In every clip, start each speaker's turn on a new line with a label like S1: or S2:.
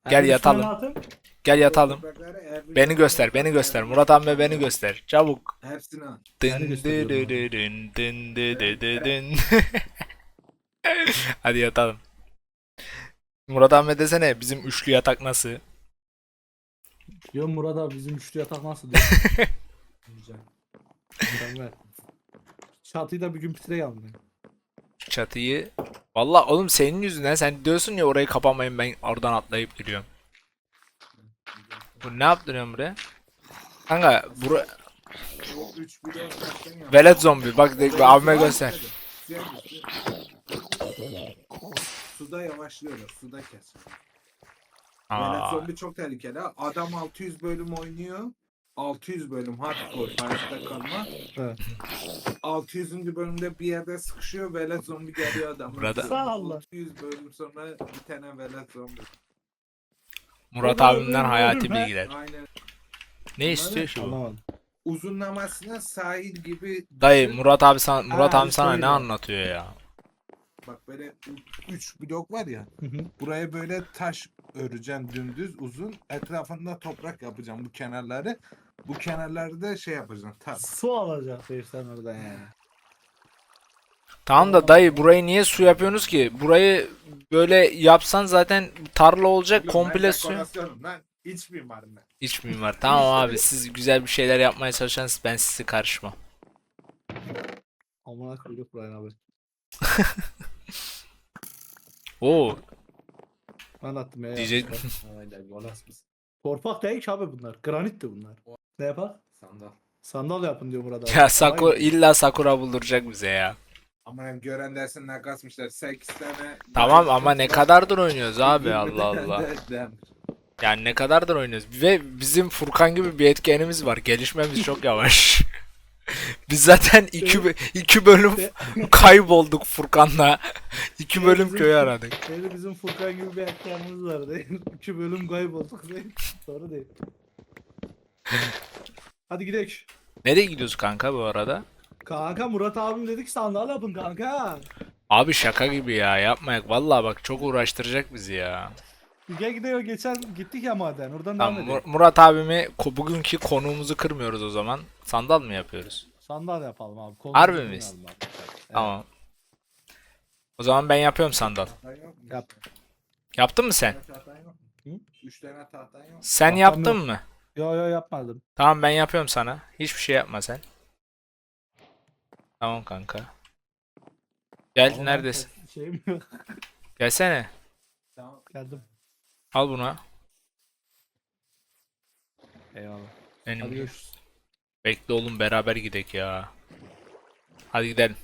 S1: Gel
S2: Evin üstüne ne
S1: yatalım.
S2: atayım?
S1: Gel yatalım.
S3: Toprakları evin
S1: Beni
S3: üstüne
S1: göster, beni
S3: koy,
S1: göster.
S3: evin
S1: Murat
S3: üstüne
S1: abi beni
S3: koy.
S1: göster. Çabuk.
S3: Hepsini al.
S2: Seni
S1: Dın dı
S2: gösteriyorum
S1: dı
S2: abi.
S1: dı dın, dın dı dı
S3: Bırak
S1: dı
S3: bırak.
S1: dın. Hadi yatalım. Murat abi desene bizim üçlü yatak nasıl?
S2: Diyorum Murat abi bizim üçlü yatak nasıl diyor.
S3: Güzel.
S2: Mükemmel. Çatıyı da bir gün bitireyim ben.
S1: Şu çatıyı. Valla oğlum senin yüzünden sen diyorsun ya orayı kapamayın ben oradan atlayıp giriyorum. Bu ne yaptırıyorsun buraya? Kanka bura
S3: O 3 blok taştan yap.
S1: velet zombi bak abime göster.
S3: Suya gir, suda yavaşlıyorlar. Suda kes. Velet
S1: Aa,
S3: zombi çok tehlikeli. Ha. Adam 600 bölüm oynuyor. 600 bölüm hardcore hayatta kalma.
S2: Evet.
S3: 600. bölümde bir yerde sıkışıyor. Velet zombi geliyor adamın.
S1: Burada-
S2: Sağ ol lan.
S3: 600 bölüm sonra bir tane velet zombi.
S1: Murat abimden hayati
S2: Ben-
S1: bilgiler.
S3: Aynen.
S1: Ne istiyor şu bu?
S2: Anlamadım.
S3: Uzunlamasına sahil gibi
S1: Dayı
S3: düşün.
S1: Murat
S3: Aa,
S1: abi sana ne
S2: şöyle.
S1: anlatıyor ya?
S3: Bak böyle 3 blok var ya.
S2: Hı hı.
S3: Buraya böyle taş öreceğim dümdüz uzun. Etrafında toprak yapacağım bu kenarları. Bu kenarları da şey yapacağım.
S2: Su alacak sen oradan yani.
S1: Tamam da dayı burayı niye su yapıyorsunuz ki? Burayı böyle yapsan zaten tarla olacak komple su.
S3: Dekorasyonum lan. İç mimarım ben.
S1: İç mimar. Tamam abi siz güzel bir şeyler yapmaya çalışırsanız ben sizi karışmam.
S2: Amına koyduk buraya abi.
S1: Oo
S2: Ben attım ya.
S1: diyecek.
S3: Aynen golas mısın?
S2: Torpak değil ki abi bunlar. Granitti bunlar. Ne yapar?
S3: Sandal.
S2: Sandal yapın diyor Murat abi.
S1: Ya Sakura
S2: Vay be.
S1: illa Sakura bulduracak bize ya.
S3: Ama hem gören dersin ne kasmışlar. 8 tane.
S1: Tamam ama ne kadardır oynuyoruz abi
S3: 20
S1: Allah
S3: tane
S1: Allah.
S3: de demir.
S1: Yani ne kadardır oynuyoruz. Ve bizim Furkan gibi bir etkenimiz var. Gelişmemiz çok yavaş. Biz zaten iki bölüm kaybolduk Furkan'la. 2 bölüm
S2: Bizim-
S1: köyü aradık.
S2: Şeyde bizim Furkan gibi bir ekranımız var değil. 2 bölüm kaybolduk değil. Doğru değil. Hadi gidelim.
S1: Nereye gidiyoruz kanka bu arada?
S2: Kanka Murat abim dedik sandal yapın kanka.
S1: Abi şaka gibi ya yapmayak. Vallahi bak çok uğraştıracak bizi ya.
S2: Gel gidiyor geçen gittik ya maden oradan
S1: Tamam,
S2: devam edelim.
S1: Murat abimi bugünkü konuğumuzu kırmıyoruz o zaman. Sandal mı yapıyoruz?
S2: Sandal yapalım abi. Kolumuzu
S1: Harbi
S2: oynayalım
S1: miyiz?
S2: abi. Evet.
S1: Tamam. O zaman ben yapıyorum sandal.
S3: Tahtan yok mu?
S2: Yap.
S1: Yaptın mı sen?
S3: 3 tane tahtan yok mu?
S2: Hı?
S3: 3 tane tahtan yok mu?
S1: Sen
S2: Tahtam
S1: yaptın
S2: yok.
S1: mı?
S2: Yo yapmadım.
S1: Tamam ben yapıyorum sana. Hiçbir şey yapma sen. Tamam kanka. Gel
S2: Ama ben
S1: neredesin?
S2: Şeyim yok.
S1: Gelsene.
S3: Tamam.
S2: Geldim.
S1: Al bunu.
S2: Eyvallah.
S1: Benim.
S2: Hadi görüşürüz.
S1: Bekle oğlum beraber gidek ya. Hadi gidelim.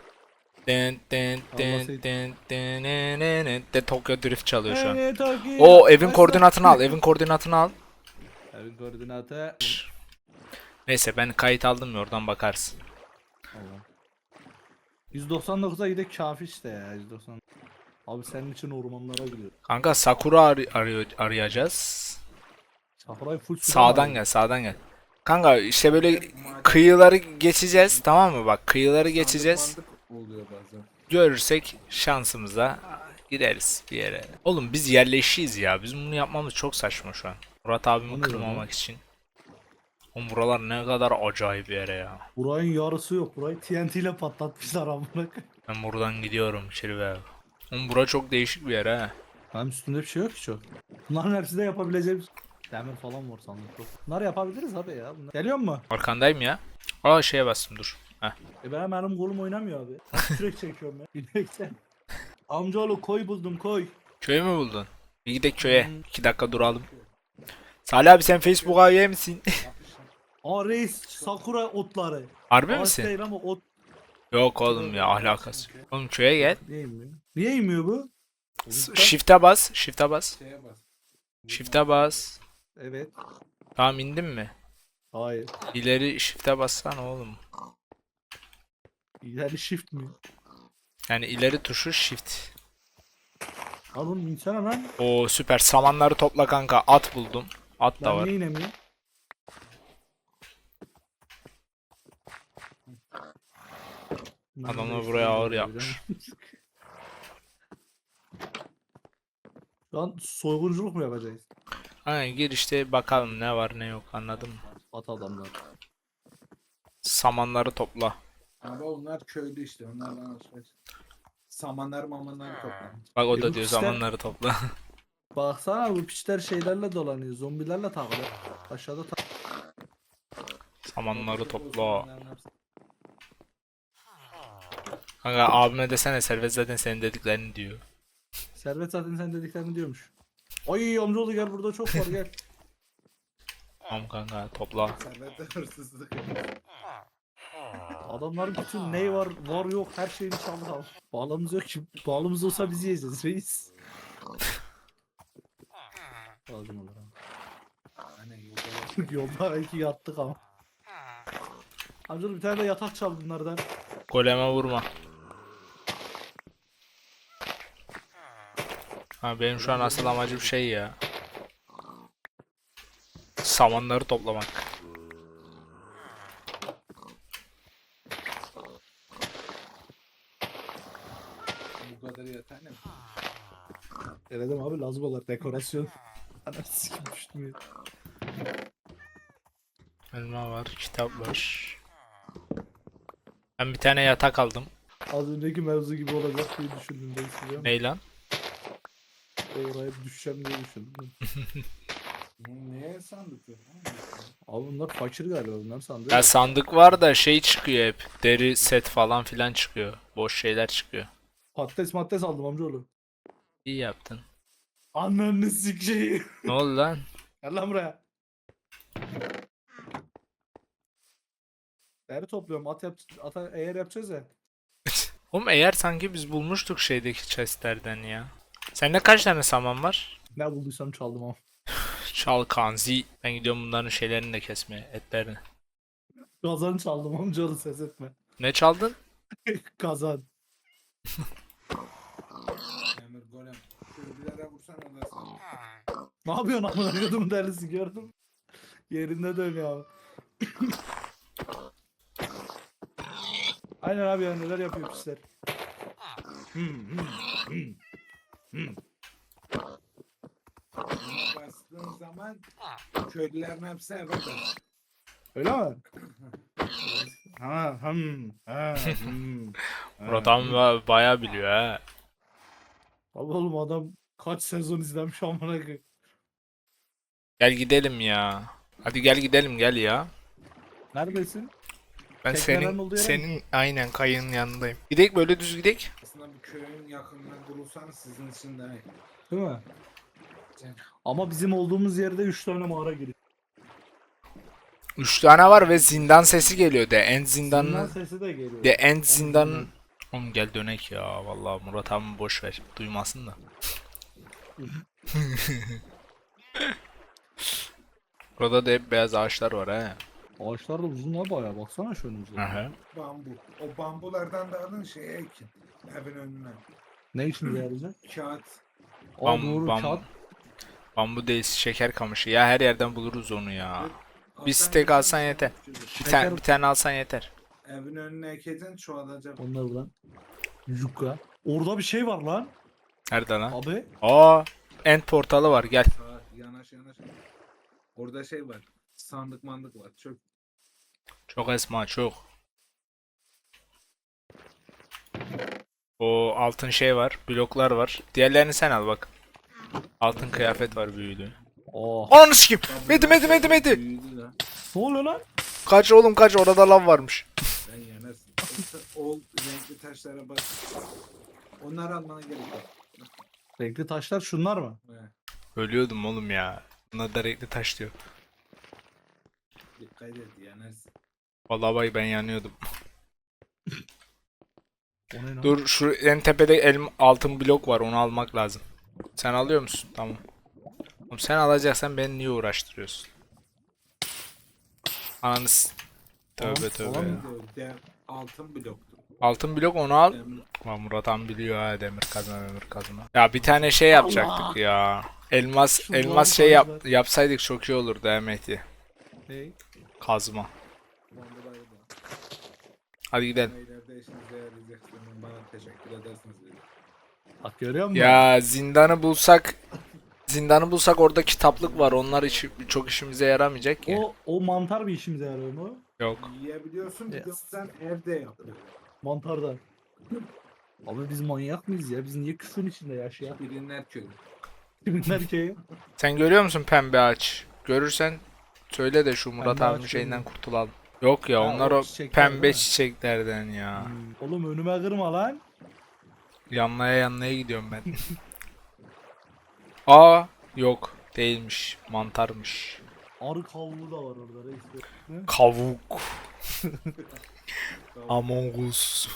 S1: De Tokyo Drift çalıyor şu an. O evin koordinatını al. Evin koordinatını al.
S2: Evin koordinatı.
S1: Neyse ben kayıt aldım ya oradan bakarsın.
S2: Allah. 199'a gidek kafi işte ya 190. Abi senin için ormanlara gidiyorum.
S1: Kanka Sakura arayacağız.
S2: Sakuray full suda
S1: Sağdan
S2: var.
S1: gel sağdan gel. Kanka işte böyle kıyıları geçeceğiz tamam mı? Bak kıyıları geçeceğiz.
S3: Sandık oluyor bazen.
S1: Görürsek şansımıza gideriz bir yere. Oğlum biz yerleşiyiz ya. Bizim bunu yapmamız çok saçma şu an. Murat
S2: O
S1: abimi
S2: ne
S1: kırmamak
S2: lan?
S1: için. Oğlum buralar ne kadar acayip bir yere ya.
S2: Burayın yarısı yok. Burayı TNT ile patlatmışlar amına koyayım.
S1: Ben buradan gidiyorum içeri be. Oğlum bura çok değişik bir yer ha.
S2: Benim üstünde bir şey yok ki çok. Bunların hepsi de yapabileceğimiz. Demir falan var sandım çok. Bunları yapabiliriz abi ya. Geliyor mu?
S1: Arkandayım ya. Aa şeye bastım dur. Heh.
S2: Benim kolum oynamıyor abi. Sürekli çekiyorum ya. Bilmekten. Amcaoğlu koy buldum koy.
S1: Köyü mü buldun? Bir gidelim köye. 2 dakika duralım. Salih abi sen Facebook'a üye misin?
S2: Aa reis sakura otları.
S1: Harbi
S2: Ağaç
S1: misin?
S2: değil ama ot.
S1: Yok oğlum ya ahlakası. Oğlum köye gel.
S2: Niye inmiyor? Niye inmiyor bu?
S1: Shift'e bas. Shift'e bas.
S3: Şeye bas.
S1: Shift'e bas.
S2: Evet.
S1: Tamam indin mi?
S2: Hayır.
S1: İleri shift'e bassana oğlum.
S2: Yani shift mi?
S1: Yani ileri tuşu shift.
S2: Oğlum insana lan.
S1: Oo süper. Samanları topla kanka. At buldum. At da
S2: Ben
S1: var.
S2: niye inemiyorum?
S1: Adamlar buraya ağır yapmış.
S2: Şu an soygunculuk mu yapacağız?
S1: Aynen gir işte bakalım ne var ne yok anladın mı?
S2: At adamlar.
S1: Samanları topla.
S3: Ama onlar köylü işte. Onlardan alışveriş. Samanlar mamanları toplar.
S1: Bak o
S2: E
S1: da
S2: bu
S1: diyor
S2: pisler-
S1: samanları topla.
S2: Baksana bu piçler şeylerle dolanıyor. Zombilerle takılıyor. Aşağıda
S1: Samanları topla. Kanka abime desene Servet zaten senin dediklerini diyor.
S2: Servet zaten sen dediklerini diyormuş. Ay amcaoğlu gel burada çok var gel.
S1: Tamam kanka topla.
S3: Servette hırsızlık.
S2: Adamların bütün ney var var yok her şeyini çaldı abi. Bağlamız yok ki. Bağlamız olsa bizi yiyeceğiz reis. Lazım olur abi.
S3: Hani yolda
S2: Yolda iki yattık ama. Amcaoğlu bir tane de yatak çal bunlardan.
S1: Goleme vurma. Ha benim şu an asıl amacım şey ya. Samanları toplamak.
S3: bu kadar yeter mi?
S2: Denedim abi lazım olur dekorasyon. Anam sikim düştüm ya.
S1: Elma var, kitap var. Ben bir tane yatak aldım.
S2: Az önceki mevzu gibi olacak diye düşündüm ben size.
S1: Ney lan?
S2: Oraya düşeceğim diye düşündüm.
S3: Neye sandık yok?
S2: Abi bunlar fakir galiba bunlar sandı.
S1: Ya sandık var da şey çıkıyor hep. Deri set falan filan çıkıyor. Boş şeyler çıkıyor.
S2: Patates aldım amcaoğlu.
S1: İyi yaptın.
S2: Ananı sikeyim.
S1: Ne oldu lan?
S2: Gel lan buraya. Deri topluyorum. Eğer yapacağız ya.
S1: Oğlum eğer sanki biz bulmuştuk şeydeki chestlerden ya. Sende kaç tane saman var?
S2: Ne bulduysam çaldım ama.
S1: Çal kanzi. Ben gidiyorum bunların şeylerini de kesmeye, etlerini.
S2: Kazan çaldım amcaoğlu ses etme.
S1: Ne çaldın?
S2: Kazan.
S3: Emir golem. Köylülere vursan odasın.
S2: Ne yapıyorsun amına koydum delisi gördüm. Yerinde dönüyor abi. Aynen abi ya neler yapıyor pisler.
S3: Buna bastığın zaman köylülerin hepsi eve dönüyor.
S2: Öyle mi? Ha, ha,
S1: Murat abi bayağı biliyor ha.
S2: Abi oğlum adam kaç sezon izlemiş amına koyayım.
S1: Gel gidelim ya. Hadi gel gidelim gel ya.
S2: Neredesin?
S1: Ben
S2: Teknelerin olduğu yere mi?
S1: senin aynen kayığın yanındayım. Gidek böyle düz gidek.
S3: Aslında bu köyün yakınına kurulsanız sizin için demek.
S2: Değil mi? Ama bizim olduğumuz yerde 3 tane mağara giriyor.
S1: 3 tane var ve zindan sesi geliyor. The End
S2: Zindan
S1: zindanı.
S2: sesi de geliyor.
S1: The End zindanın. Oğlum gel dönek ya. Vallahi Murat abi boş ver. Duymasın da. Burada da hep beyaz ağaçlar var ha.
S2: Ağaçlar da uzun la bayağı baksana şu önümüze.
S1: Aha.
S3: Bambu. O bambulardan da alın şeye ekin. Evin önüne.
S2: Ne için yarayacak?
S3: Kağıt.
S2: Aa
S1: Bam-
S2: doğru
S1: bam-
S2: kağıt.
S1: Bambu değil şeker kamışı. Ya her yerden buluruz onu ya. Bir
S3: Alsan
S1: steak alsan
S3: yeter.
S1: yeter. Bir tane alsan yeter.
S3: Evin önüne ekeceksin çoğalacak.
S2: Onlar buradan. Yuka. Orada bir şey var lan.
S1: Nerede lan?
S2: Abi.
S1: Aa, End portalı var gel.
S3: Sağa yanaş yanaş. Orada şey var. Sandık mandık var. Çöp.
S1: Çok esma çok. O altın şey var. Bloklar var. Diğerlerini sen al bak. Altın kıyafet var büyülü.
S2: Oh.
S1: Ananı sikeyim. Medi.
S3: Büyüdü lan.
S2: Ne oluyor lan?
S1: Kaç oğlum kaç orada lav varmış.
S3: Ben yenersin. O renkli taşlara bak. Onları almana gerek yok.
S2: Renkli taşlar şunlar mı?
S3: He,
S1: Ölüyordum oğlum ya. Buna da renkli taş diyor.
S3: dikkat et yenersin.
S1: Vallahi bay ben yanıyordum.
S2: O ne lan?
S1: Dur şu en tepede altın blok var onu almak lazım. Sen alıyor musun? Tamam. Oğlum sen alacaksan beni niye uğraştırıyorsun? Ananız. Tövbe tövbe
S2: Tamam.
S1: ya.
S3: Altın bloktu.
S1: Altın blok onu al.
S3: Demir.
S1: Lan Murat Han biliyor ha demir kazma. Ya bir tane şey yapacaktık ya. Elmas şey yapsaydık çok iyi olurdu Mehdi.
S2: Hey.
S1: Kazma.
S3: Bombaları da.
S1: Hadi gidelim.
S3: İleride işinize yarayacak. Bana teşekkür edersiniz.
S2: Bak görüyor musun?
S1: Ya zindanı bulsak Zindanı bulsak orada kitaplık var. Onlar çok işimize yaramayacak ki.
S2: O mantar bir işimize yarıyor mu?
S1: Yok.
S3: Yiyebiliyorsun bir de
S2: Yes.
S3: sen evde yapıyorsun.
S2: Mantardan. Abi biz manyak mıyız ya? Biz niye küfrün içinde yaşayak?
S3: Bilinler köyü.
S2: Kiminler ki?
S1: Sen görüyor musun pembe ağaç? Görürsen söyle de şu Murat
S2: Pembe
S1: abinin
S2: ağaç
S1: şeyinden
S2: görmüyorum.
S1: kurtulalım. Yok ya
S2: Ha,
S1: onlar
S2: o
S1: o
S2: çiçekler değil
S1: pembe
S2: mi?
S1: çiçeklerden ya.
S2: Oğlum önüme kırma lan.
S1: Yanlaya gidiyorum ben. Aa yok değilmiş mantarmış.
S2: Arı kavlu da var orada reis. Ne?
S1: Kavuk. Among Us.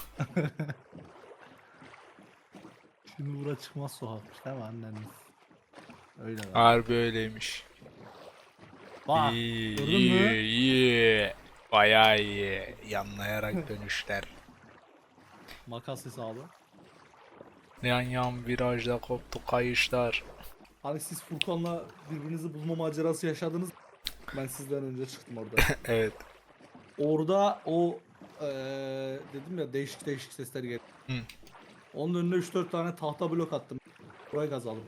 S2: Şimdi bura çıkmaz sokakmış değil mi anneniz? Öyle var.
S1: Harbi öyleymiş.
S2: Bak
S1: İyi,
S2: gördün
S1: iyi,
S2: mü?
S1: iyi. Bayağı iyi. Yanlayarak dönüşler.
S2: Makas hesabı.
S1: Yan yan virajda koptu kayışlar.
S2: Hani siz Furkan'la birbirinizi bulma macerası yaşadınız. Ben sizden önce çıktım orada.
S1: Evet.
S2: Orada o dedim ya değişik değişik sesler geldi.
S1: Hı.
S2: Onun önüne 3-4 tane tahta blok attım. Burayı kazalım.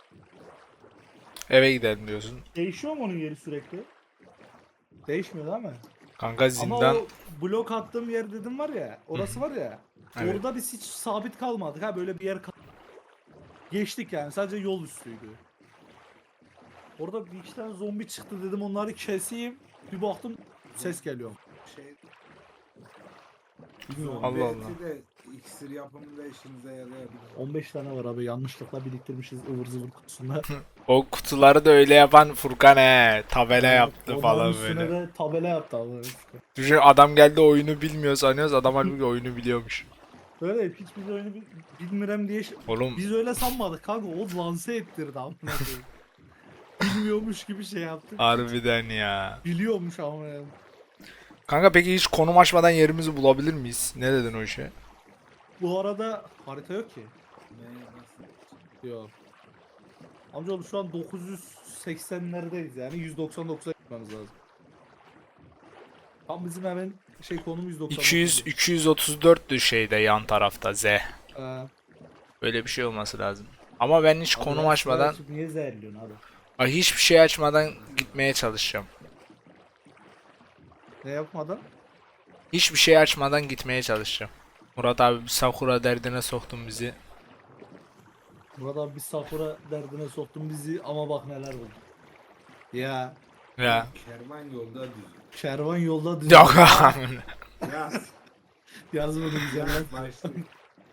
S1: Eve gidelim diyorsun.
S2: Değişiyor mu onun yeri sürekli? Değişmiyor değil mi?
S1: Kanka zindan.
S2: Ama o blok attığım yer dedim var ya, orası var ya.
S1: Evet.
S2: Orada biz hiç sabit kalmadık ha, böyle bir yer geçtik yani, sadece yol üstüydü. Orada bir iki tane zombi çıktı, dedim onları keseyim. Bir baktım ses geliyor.
S3: Şey,
S2: Bilmiyorum.
S1: Allah Allah.
S3: belki de iksir yapımında işinize yarayabilir.
S2: 15 tane var abi, yanlışlıkla biriktirmişiz ıvır zıvır kutusunda.
S1: O kutuları da öyle yapan Furkan he. Tabela yaptı
S2: Onların
S1: falan
S2: üstüne
S1: böyle.
S2: de tabela yaptı abi.
S1: Düşün adam geldi oyunu bilmiyor sanıyoruz. Adam halbuki oyunu biliyormuş.
S2: Öyle hiç biz oyunu bilmirem diye
S1: Oğlum
S2: biz öyle sanmadık kanka, o lanse ettirdi amına koyayım. Bilmiyormuş gibi şey yaptı.
S1: harbiden ya.
S2: Biliyormuş ama yani.
S1: Kanka peki hiç konum açmadan yerimizi bulabilir miyiz? Ne dedin o işe?
S2: Bu arada harita yok ki.
S3: Ne, nasıl?
S2: Yok. Amcaoğlu şu an 980'lerdeyiz yani 199'a gitmemiz lazım. Tam bizim hemen konum 199.
S1: 234'tü şeyde yan tarafta Z. Öyle bir şey olması lazım. Ama ben hiç konum açmadan,
S2: Niye zehirliyorsun abi?
S1: ay hiçbir şey açmadan gitmeye çalışacağım.
S2: Ne yapmadan?
S1: Hiçbir şey açmadan gitmeye çalışacağım. Murat abi Sakura derdine soktun bizi.
S2: Burada bir Sakura derdine soktun bizi ama bak neler oldu. Ya
S1: Ya.
S3: Kervan yolda düz.
S2: kervan yolda düz.
S1: Yok.
S3: Yaz.
S2: Yaz bunu güzel lan.
S3: Yaz başlıyor.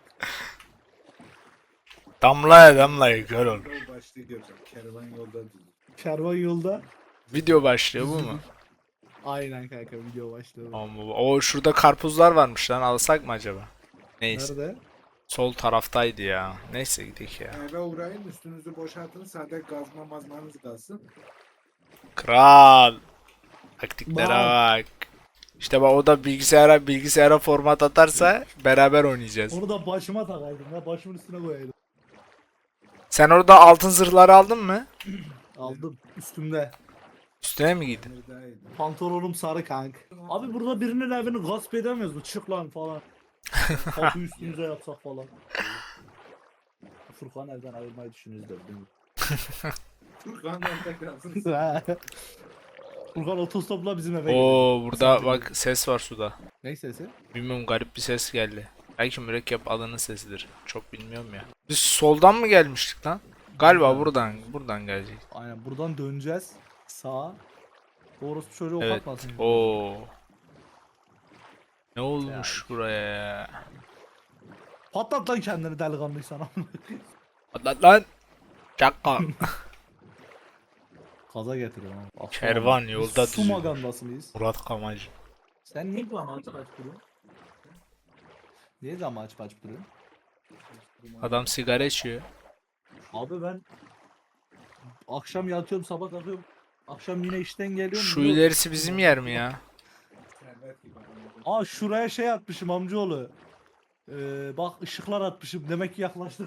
S1: Damlaya damlaya kör ol.
S3: Yol başlığı göreceğim. Kervan yolda düz.
S2: Kervan yolda.
S1: Video başlıyor bu mu?
S2: Aynen kanka, video başladı.
S1: Ama o şurada karpuzlar varmış lan, alsak mı acaba? Neyse.
S2: Nerede?
S1: Sol taraftaydı ya. Neyse gidelim ya.
S3: Eve uğrayın, üstünüzü boşaltın, sadece gazma mazmanız kalsın.
S1: Kral. Taktiklere
S2: Bak.
S1: bak. İşte bak o da bilgisayara format atarsa beraber oynayacağız.
S2: Onu da başıma takaydım ya, başımın üstüne koyaydım.
S1: Sen orada altın zırhları aldın mı?
S2: Aldım üstümde.
S1: Üstüne mi giydin?
S3: Neredeydi?
S2: Pantolonum sarı kank. Abi burada birinin evini gasp edemiyoruz mu? Çık lan falan. Kapı üstümüze yapsak falan. Furkan evden ayrılmayı düşünüyoruz da.
S3: Furkan'dan tekrarsın.
S2: Furkan otostopla bizim eve gidiyor.
S1: Oo burada bak ses var suda.
S2: Ne sesi?
S1: Bilmiyorum, garip bir ses geldi. Belki mürekkep adının sesidir. Çok bilmiyorum ya. Biz soldan mı gelmiştik lan? Galiba buradan gelecek.
S2: Aynen buradan döneceğiz. Sağa. Doğrusu çocuğu
S1: Evet.
S2: patlasın.
S1: Oo. Ne olmuş buraya ya?
S2: Patlat lan kendini delikanlıysan.
S1: Atlat lan. Çakal.
S2: Kaza getiriyor lan. Aslan
S1: Kervan
S2: abi.
S1: yolda
S2: Su
S1: düzüyor.
S2: magandası mıyız?
S1: Murat Kamacı.
S2: Sen niye bu amaç duruyorsun? Niye zaman açıp duruyorsun?
S1: Adam sigara içiyor.
S2: Abi ben akşam yatıyorum, sabah kalkıyorum. Akşam yine işten geliyorum.
S1: Şu
S2: yok.
S1: ilerisi bizim yer mi ya?
S3: Servet gibi.
S2: Aa şuraya şey atmışım amcaoğlu. Bak ışıklar atmışım. Demek ki yaklaştık.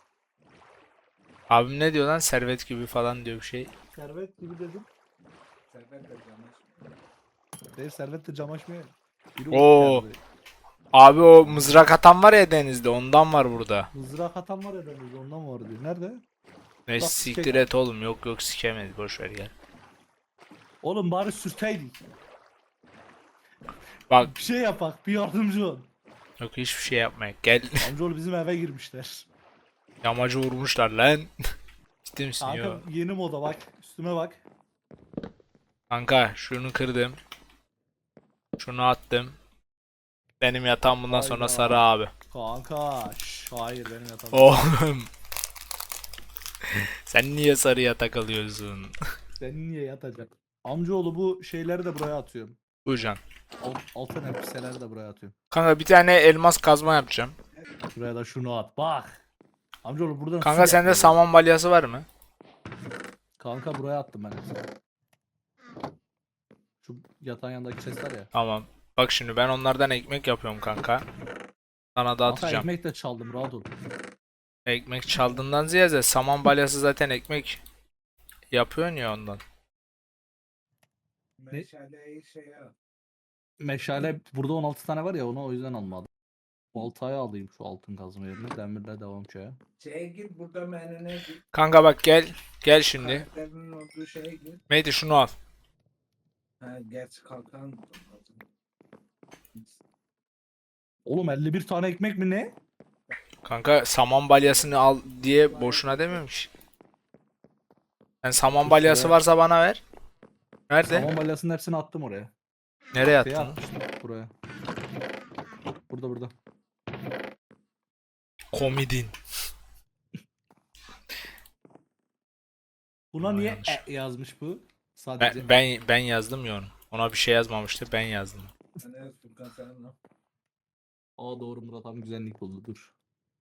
S1: Abim ne diyor lan? Servet gibi falan diyor bir şey.
S2: Servet gibi dedim.
S3: Servet de canış.
S2: Değil, servet de cam açmıyor. Biri
S1: Oo.
S2: geldi.
S1: Abi o mızrak atan var ya denizde, ondan var burada.
S2: Mızrak atan var ya denizde, ondan var diyor. Nerede?
S1: Ne
S2: Bak,
S1: siktir
S2: sikek.
S1: et oğlum, yok yok sikemez, boş ver gel.
S2: Oğlum bari sürteydik.
S1: Bak
S2: Bir şey yapak, bir yardımcı ol.
S1: yok, hiçbir şey yapmayın gel.
S2: Amcaoğlu bizim eve girmişler.
S1: Yamacı vurmuşlar lan. Ciddi misin
S2: Kanka
S1: yo?
S2: yeni moda bak. Üstüme bak.
S1: Kanka şunu kırdım. Şunu attım. Benim yatağım bundan sonra
S2: Hayda.
S1: sarı abi.
S2: Kanka. Hayır benim yatağım.
S1: Oğlum. Sen niye sarı yatak alıyorsun?
S2: Sen niye yatacak? Amcaoğlu bu şeyleri de buraya atıyorum.
S1: Bucan.
S2: Altın elbiseleri de buraya atıyorum.
S1: Kanka bir tane elmas kazma yapacağım.
S2: Buraya da şunu at. Bak. Amcaoğlu buradan su
S1: Kanka sende
S2: yapıyoruz.
S1: saman balyası var mı?
S2: Kanka buraya attım ben hepsini. Şu yatağın yanındaki chestler ya.
S1: Tamam. Bak şimdi ben onlardan ekmek yapıyorum kanka. Sana da
S2: Kanka
S1: atacağım.
S2: ekmek de çaldım rahat ol.
S1: Ekmek çaldığından ziyade saman balyası zaten ekmek yapıyorsun ya ondan.
S3: Meşaleyi şeye at.
S2: Meşale burada 16 tane var ya onu o yüzden almadım. Baltayı alayım şu altın kazma yerine. Demirle devam şeye.
S3: Şeye git burada menüne git.
S1: Kanka bak gel. Gel şimdi.
S3: Karakterinin olduğu şeye git.
S1: Mehdi şunu al.
S3: Ha, gerçi kalkan.
S2: Oğlum 51 tane ekmek mi ne?
S1: Kanka saman balyasını al diye boşuna dememiş. Sen saman balyası varsa bana ver. Nerede?
S2: Saman balyasının hepsini attım oraya.
S1: Nereye
S2: Şeye
S1: attın?
S2: atmıştım buraya. Burada.
S1: Komidin.
S2: Buna
S1: Aa,
S2: niye
S1: yanlış.
S2: yazmış bu? Sadece.
S1: Ben yazdım ya onu. Ona bir şey yazmamıştı, ben yazdım.
S3: Ne Furkan sen ne?
S2: Aa doğru Murat abi güzellik buldu dur.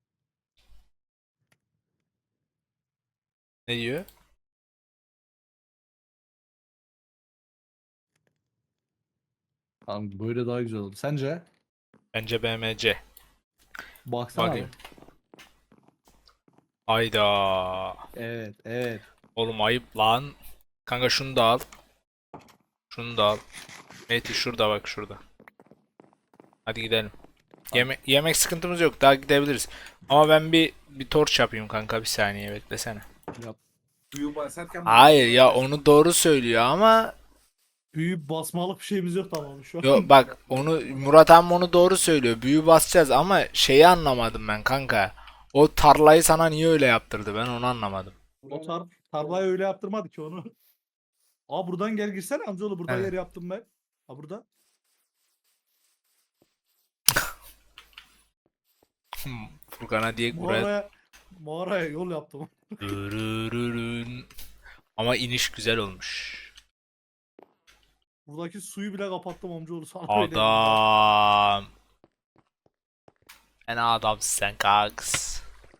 S1: Ne diyor?
S2: Tamam böyle daha güzel oldu. Sence?
S1: Bence BMC.
S2: Baksana
S1: Bakayım.
S2: abi.
S1: Ayda.
S2: Evet.
S1: Oğlum ayıp lan. Kanka şunu da al. Şunu da al. Mehdi şurada bak şurada. Hadi gidelim. Yemek sıkıntımız yok. Daha gidebiliriz. Ama ben bir torç yapayım kanka, bir saniye beklesene.
S2: Yap.
S3: Büyü basarken
S1: Hayır ya, onu doğru söylüyor ama
S2: Büyük basmalık bir şeyimiz yok tamam şu an.
S1: yo bak, onu Murat abi onu doğru söylüyor. Büyü basacağız ama şeyi anlamadım ben kanka. O tarlayı sana niye öyle yaptırdı, ben onu anlamadım.
S2: O tarlayı öyle yaptırmadı ki onu. Aa buradan gel girsene amcaoğlu burada
S1: Evet.
S2: yer yaptım ben. Ha burada.
S1: Furkan'a diye buraya
S2: Mağaraya yol yaptım.
S1: Dürürürün. Ama iniş güzel olmuş.
S2: Buradaki suyu bile kapattım amcaoğlu sana öyle diyeyim ben.
S1: Adam. Fena adamsın sen kanks.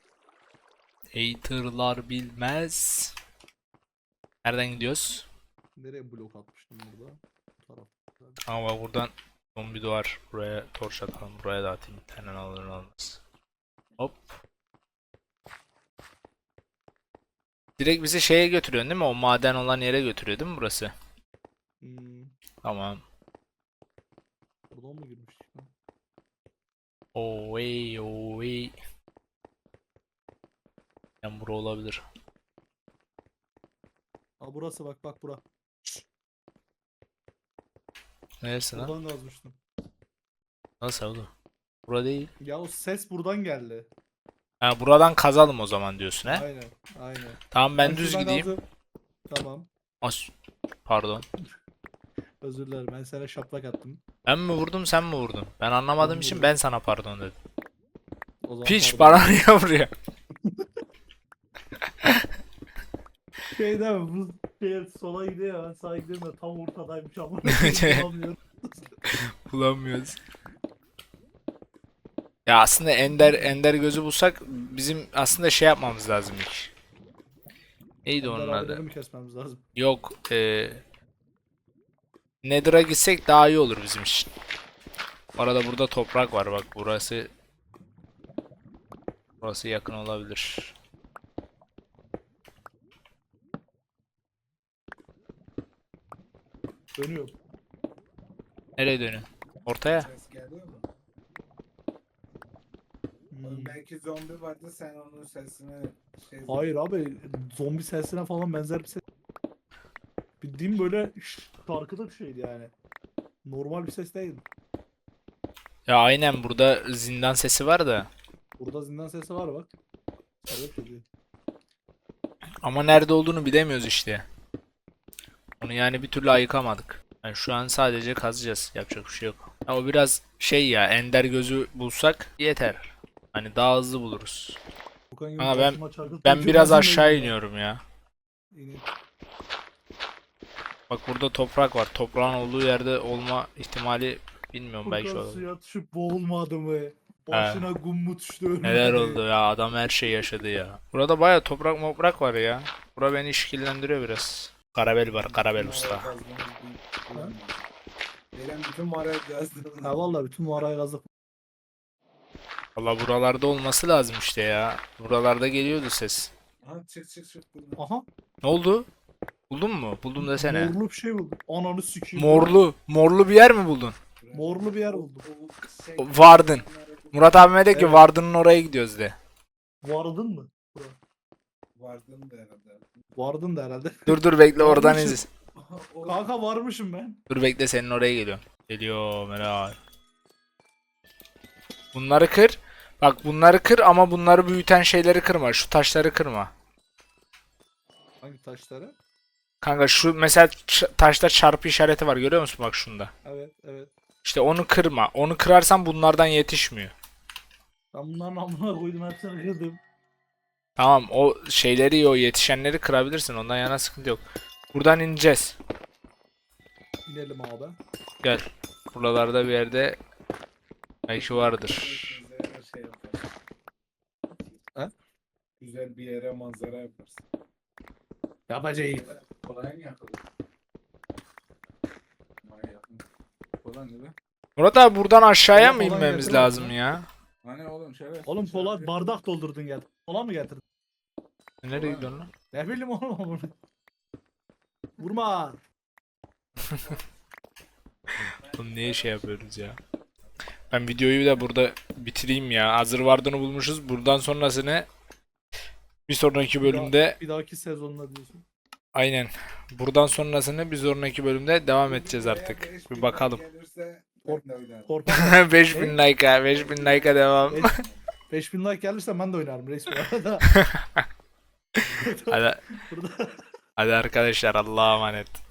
S1: Haterlar bilmez. Nereden gidiyoruz?
S2: Nereye blok atmıştım burada? Bu taraf.
S1: Ama bak buradan zombi duvar. Buraya torç atalım. Buraya da atayım. Bir tane alır almaz. Hop. Direkt bizi şeye götürüyorsun değil mi? O maden olan yere götürüyor değil mi burası?
S2: Hmm,
S1: Tamam.
S2: buradan mı girmiştik lan?
S1: Oy oy. Yani bura olabilir.
S2: Ha burası bak bura.
S1: Neresi lan?
S2: Buradan kazmıştım.
S1: Nasıl oğlum? Bura değil.
S2: Ya o ses buradan geldi.
S1: Ha, buradan kazalım o zaman diyorsun he?
S2: Aynen.
S1: Tamam ben düz
S2: şuradan
S1: gideyim.
S2: kazdım. Tamam.
S1: Pardon.
S2: Özür dilerim ben sana şaplak attım.
S1: Ben mi vurdum sen mi vurdun? Ben anlamadığım
S2: Ben
S1: için
S2: vurdum.
S1: ben sana pardon dedim.
S2: O zaman
S1: Piç
S2: pardon.
S1: bana niye vuruyor?
S2: Şey değil mi? Bu şey sola gidiyor ben sağa gidiyorum da tam ortadaymış ama. Bulamıyorum.
S1: Bulamıyoruz. Ya aslında ender gözü bulsak bizim aslında şey yapmamız lazım ilk. Neydi onun
S2: Ender
S1: adı?
S2: abileri mi kesmemiz lazım?
S1: Yok. Nether'a gitsek daha iyi olur bizim için. Bu arada burada toprak var bak, burası. Burası yakın olabilir.
S2: Dönüyorum.
S1: Nereye dönüyorsun? Ortaya.
S3: Ses geliyor mu?
S2: Hmm.
S3: Oğlum belki zombi vardı sen onun sesini
S2: Hayır abi, zombi sesine falan benzer bir ses. Bildiğim böyle şarkıda bir şeydi yani. Normal bir ses değil.
S1: Ya aynen burada zindan sesi var da.
S2: Burada zindan sesi var bak. Evet dedi.
S1: Ama nerede olduğunu bilemiyoruz işte. Onu yani bir türlü ayıkamadık. Yani şu an sadece kazacağız. Yapacak bir şey yok. Ya o biraz şey ya, ender gözü bulsak yeter. Hani daha hızlı buluruz.
S2: Furkan gibi
S1: Ama
S2: başıma çarpıp
S1: ben biraz
S2: tecrübesinden
S1: aşağı
S2: iyiyim ya.
S1: iniyorum ya.
S2: İyi.
S1: Bak burada toprak var. Toprağın olduğu yerde olma ihtimali bilmiyorum, belki
S2: Furkan
S1: olur.
S2: suya düşüp boğulmadı mı? Başına kum mu düştü ölmedi.
S1: Neler oldu ya, adam her şey yaşadı ya. Burada baya toprak moprak var ya. Bura beni işkillendiriyor biraz. Karabel var, Karabel usta.
S3: Eren bütün mağaraya gezdi.
S2: Ha valla bütün mağarayı kazdık.
S1: Valla buralarda olması lazım işte ya. Buralarda geliyordu ses.
S3: Ha çık buradan.
S2: Aha.
S1: Ne oldu? Buldun mu? Buldum desene.
S2: Morlu bir şey buldum. Ananı sikeyim.
S1: Morlu. Morlu bir yer mi buldun?
S2: Morlu bir yer buldum.
S1: Vardın. Murat abime de ki
S2: Evet.
S1: Vardın'ın oraya gidiyoruz de.
S2: Vardın mı?
S3: Vardın da herhalde.
S2: Vardın da herhalde.
S1: Dur bekle, oradan
S2: Varmışım.
S1: izle.
S2: Kanka varmışım ben.
S1: Dur bekle, senin oraya geliyorum. Geliyor Meral. Bunları kır. Bak bunları kır ama bunları büyüten şeyleri kırma. Şu taşları kırma.
S2: Hangi taşları?
S1: Kanka şu mesela taşta çarpı işareti var, görüyor musun bak şunda.
S2: Evet evet.
S1: İşte onu kırma. Onu kırarsan bunlardan yetişmiyor.
S2: Ben bunların amına koydum, hepsini kırdım.
S1: Tamam, o şeyleri, o yetişenleri kırabilirsin. Ondan yana sıkıntı yok. Buradan ineceğiz.
S2: İnelim abi.
S1: Gel. Buralarda bir yerde belki vardır.
S3: Güzel şey yaparsın.
S2: Ha?
S3: Güzel bir yere manzara yaparsın.
S2: Yapacağım.
S3: Kolay mı yapalım? Kolay ne be?
S1: Murat abi buradan aşağıya
S2: Kola
S1: mı
S2: falan
S1: inmemiz
S2: getirmez
S1: lazım
S2: mi?
S1: ya?
S3: Hani oğlum şöyle.
S2: Oğlum kola bardak doldurdun gel. Kola mı getirdin?
S1: Nereye gidiyorsun lan?
S2: Ne bileyim oğlum onu. Vurma.
S1: Oğlum niye şey yapıyoruz ya? Ben videoyu da burada bitireyim ya. Hazır vardığını bulmuşuz. Buradan sonrasını bir sonraki bölümde,
S2: Bir dahaki sezonla diyorsun.
S1: aynen. Buradan sonrasını bir sonraki bölümde devam edeceğiz artık. Bir bakalım.
S3: Gelirse
S2: Kork-
S3: ben de oynarım.
S2: Korkma.
S1: 5000 like'a, 5000 like'a devam.
S2: 5000 like gelirse ben de oynarım reis bu arada.
S1: Hadi,
S2: Burada
S1: hadi arkadaşlar, Allah'a emanet.